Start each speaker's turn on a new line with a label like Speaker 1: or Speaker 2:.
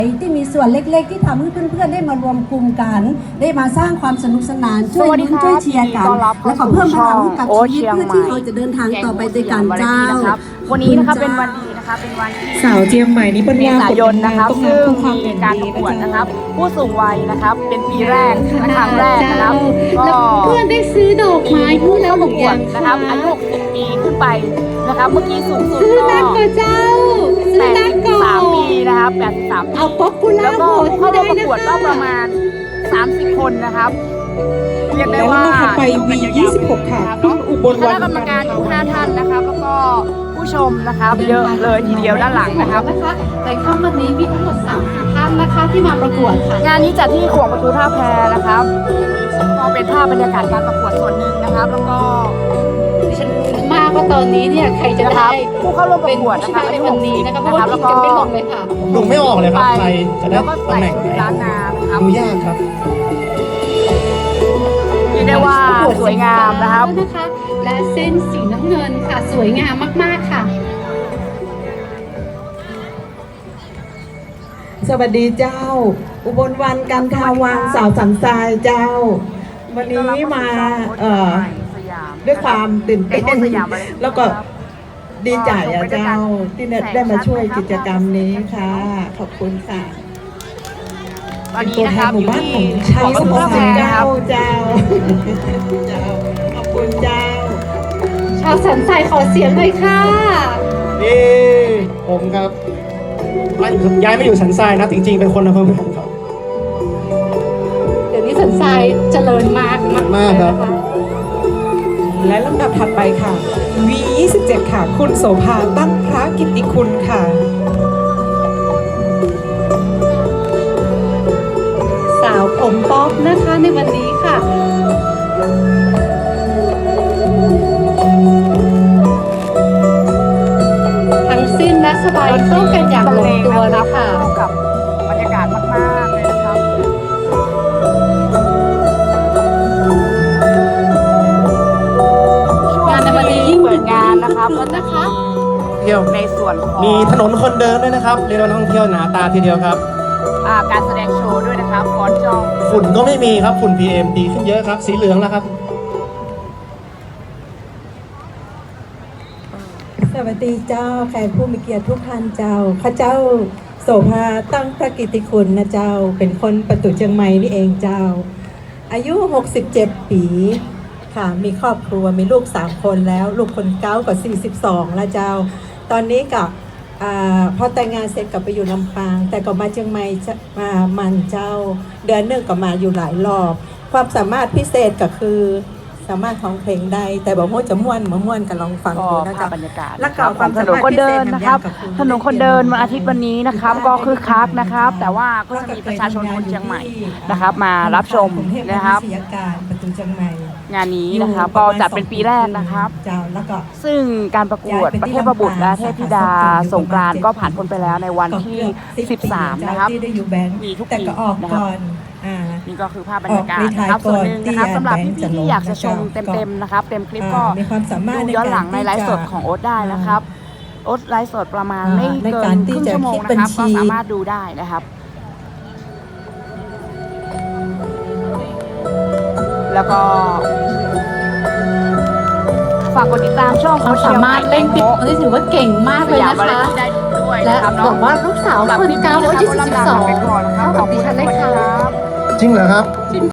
Speaker 1: ที่มีส่วนเล็กๆที่ทำให้เพื่อนๆได้มารวมกลุ่มกันได้มาสร้างความสนุกสนานช่วยลุ้นช่วยเชียร์กันแล้วก็เพิ่มพลังให้กับชีวิตเพื่อที่เราจะเดินทางต่อไปด้วยกันเจ้า
Speaker 2: วันนี้นะคะเป็นวันดีนะคะเป็นวันที่
Speaker 3: สาวเจียงใหม่นี้เป็น
Speaker 2: เมษายนนะครับซึ่งมีการประกวดนะครับผู้สูงวัยนะครับเป็นปีแรกและครั้งแรกนะครับก็
Speaker 4: เพื่อนได้ซื้อดอกไม้พูดแล้วหรือยัง
Speaker 2: นะครับอายุ60 ปีขึ้นไปนะครับเมื่อกี้สูงสุด
Speaker 4: ซื้อนักก่อนเจ้าซื้อนักก่อน
Speaker 2: 83 ปีนะครับ83
Speaker 4: เอาป๊อปปูล่า
Speaker 2: แล้วก็
Speaker 4: โหวต
Speaker 2: เข้า
Speaker 4: ได้
Speaker 2: ร่วมประ
Speaker 4: นะ
Speaker 2: กวดก็
Speaker 4: คะ
Speaker 2: ประมาณ30 คนนะครับเรียกได้
Speaker 3: แล้ว
Speaker 2: ว่า
Speaker 3: นะคะไป V26 ค่ะคุณอุบล
Speaker 2: ค
Speaker 3: วั
Speaker 2: ณะ
Speaker 3: น
Speaker 2: กรรมการอยู่5 ท่านนะครับแล้วก็ผู้ชมนะครับเยอะเลยทีเดียวด้านหลังนะครับ
Speaker 4: แต่ค่ำวันนี้มีทั้งหมด3ท่านนะคะที่มาประกวดค่ะ
Speaker 2: งานนี้จัดที่ขวงประตูท่าแพนะครับก็เป็นภาพบรรยากาศการประกวดส่วนหนึ่งนะครับแล้วก็
Speaker 4: ดิฉันรู้มากว่าตอนนี้เนี่ยใครจะได้
Speaker 2: ผู้เข้าร่วมประกวด
Speaker 4: ช
Speaker 2: นะค
Speaker 4: นะ
Speaker 2: รับ
Speaker 4: ในวันนี้นะคะเพราะว่าคิดกันไม่ลงเลยค่ะ
Speaker 5: ดูไม่ออกเลยครับใครจะได้
Speaker 2: แล้วก็
Speaker 5: ตำ
Speaker 2: ใส่
Speaker 5: แหน่ง
Speaker 2: ชุ
Speaker 5: ไหน
Speaker 2: ดล้านนานะครับ
Speaker 5: ดูยากครับ
Speaker 2: เรียกได้ว่าสวยงามนะครับ
Speaker 4: นะคะและเส้นสีน้ำเงินค่ะสวยงามมากๆค่ะ
Speaker 3: สวัสดีเจ้า อุบลวันกันทาวังสาวสันทรายเจ้า วันนี้มาด้วยความตื่นเต้นแล้วก็ดีใจอะเจ้าที่ได้มาช่วยกิจกรรมนี้ค่ะ ขอบคุณค่ะ
Speaker 2: ตอน
Speaker 3: เป็น
Speaker 2: นี้
Speaker 3: ตัว
Speaker 2: นะ
Speaker 3: แท
Speaker 2: คน รับ
Speaker 3: หมู่บ้านของชายสมุทรสาครเจ้าเจ้าขอบคุณเจ้า
Speaker 4: ชาวสันทรายขอเสียงเลยค่ะ
Speaker 5: นี่ผมครับย้ายไม่อยู่สันทรายนะจริงๆเป็นคนอำเภอเมืองครับ
Speaker 4: เดี๋ยวนี้สันทรายเจริญมาก
Speaker 5: มากครับ
Speaker 3: และลำดับถัดไปค่ะ V27 ค่ะ คุณโสภาตั้งพระกิตติคุณค่ะ
Speaker 4: สาวผมป๊อปนะคะในวันนี้ค่ะทั้งสิ้นและสบายเข้ากันอย่างลงตัวเลยค่ะ
Speaker 2: เข้ากับบรรยากาศมากๆเลยนะครับ
Speaker 4: งานในวันนี้ยิ่ง
Speaker 2: เปิดงานนะครับก็จะ
Speaker 4: นะคะ
Speaker 5: เที่ยว
Speaker 2: ในส่วนของ
Speaker 5: มีถนนคนเดินด้วยนะครับเรียกว่านักท่องเที่ยวหนาตาทีเดียวครับ
Speaker 2: การแสดงโชว์ด้วยนะครับฟอนจอง
Speaker 5: ฝุ่นก็ไม่มีครับฝุ่น PM ดีขึ้นเยอะครับ สีเหลืองแล้วครับ
Speaker 1: สวัสดีเจ้าแขกผู้มีเกียรติทุกท่านเจ้าข้าเจ้าโสภาตั้งพระกิตติคุณนะเจ้าเป็นคนประตูเชียงใหม่นี่เองเจ้า อายุ67 ปีค่ะมีครอบครัวมีลูก3 คนแล้วลูกคนเก้ากับ42แล้วเจ้าตอนนี้กับพอแต่งงานเสร็จกลับไปอยู่ลำปางแต่ก็มาเชียงใหม่มามันเจ้าเดือนหนึ่งก็มาอยู่หลายรอบความสามารถพิเศษก็คือสามารถร้องเพลงได้แต่บอกว่าจะม่วนกันลองฟัง
Speaker 2: ก็
Speaker 1: ดูนะ
Speaker 2: ภาพ
Speaker 1: จ๊ะ
Speaker 2: บรรยากาศ
Speaker 1: แล้วก็ความ
Speaker 2: ถ
Speaker 1: สาน
Speaker 2: น
Speaker 1: มารถ
Speaker 2: คนเดิน
Speaker 1: พิเศษ
Speaker 2: นะครับ
Speaker 1: อย่างกับ
Speaker 2: ถนนคนเดินวันอาทิตย์วันนี้นะครับก็คึกคักนะครับ แต่ว่าก็จะมีประชาชนคนเชียงใหม่นะครับมารับชมนะครับ
Speaker 1: ประตูเชียงใหม่
Speaker 2: งานนี้นะครับก็จัดเป็นปีแรกนะครับ
Speaker 1: เจ้าแล้วก็
Speaker 2: ซึ่งการประกวดประเทศประบุตรและเทพธิดาสงกรานต์ก็ผ่านพ้นไปแล้วในวันที่ 13 นะครับ
Speaker 1: ที่ได้อยู่แบงค์
Speaker 2: มีทุก
Speaker 1: แต่
Speaker 2: ปี
Speaker 1: ก็ออก
Speaker 2: นะครับ
Speaker 1: ก่อน
Speaker 2: นี่ก็คือภาพบรรยากาศนะครับ
Speaker 1: ออก
Speaker 2: ส่วนหนึ่งนะครับ
Speaker 1: รีไทร์ก่อน
Speaker 2: สำหรับพี่
Speaker 1: ที่
Speaker 2: ๆที่อยากจะชม
Speaker 1: แบงค์จะลง
Speaker 2: เต็มๆนะครับเต็มคลิปก็
Speaker 1: มีความสามารถ
Speaker 2: ดูย้อนหลังในไลฟ์สด
Speaker 1: ในการที่จะ
Speaker 2: ของโอ๊ตได้นะครับโอ๊ตไลฟ์สดประมาณไม่
Speaker 1: ใน
Speaker 2: เกิ
Speaker 1: การ
Speaker 2: น
Speaker 1: ที่
Speaker 2: ครึ่ง
Speaker 1: จะ
Speaker 2: ชั่วโมง
Speaker 1: คิด
Speaker 2: นะ
Speaker 1: บัญ
Speaker 2: ครับ
Speaker 1: ชี
Speaker 2: ก็สามารถดูได้นะครับ แล้วก็ฝากกดติดตามช่อง
Speaker 4: เขาสามารถเล่นปิดนี่ถือว่าเก่งมากเลย
Speaker 2: สยาม
Speaker 4: นะ
Speaker 2: วาไร
Speaker 4: คะ
Speaker 2: ตี้ได้ด้วย
Speaker 4: และ
Speaker 2: นะครับ
Speaker 4: บ
Speaker 2: เนาะ
Speaker 4: อกว่าลูกสาวคนเก้าอายุ42เท่ากับดิฉันเลยค่ะ
Speaker 5: จริงเหรอครับ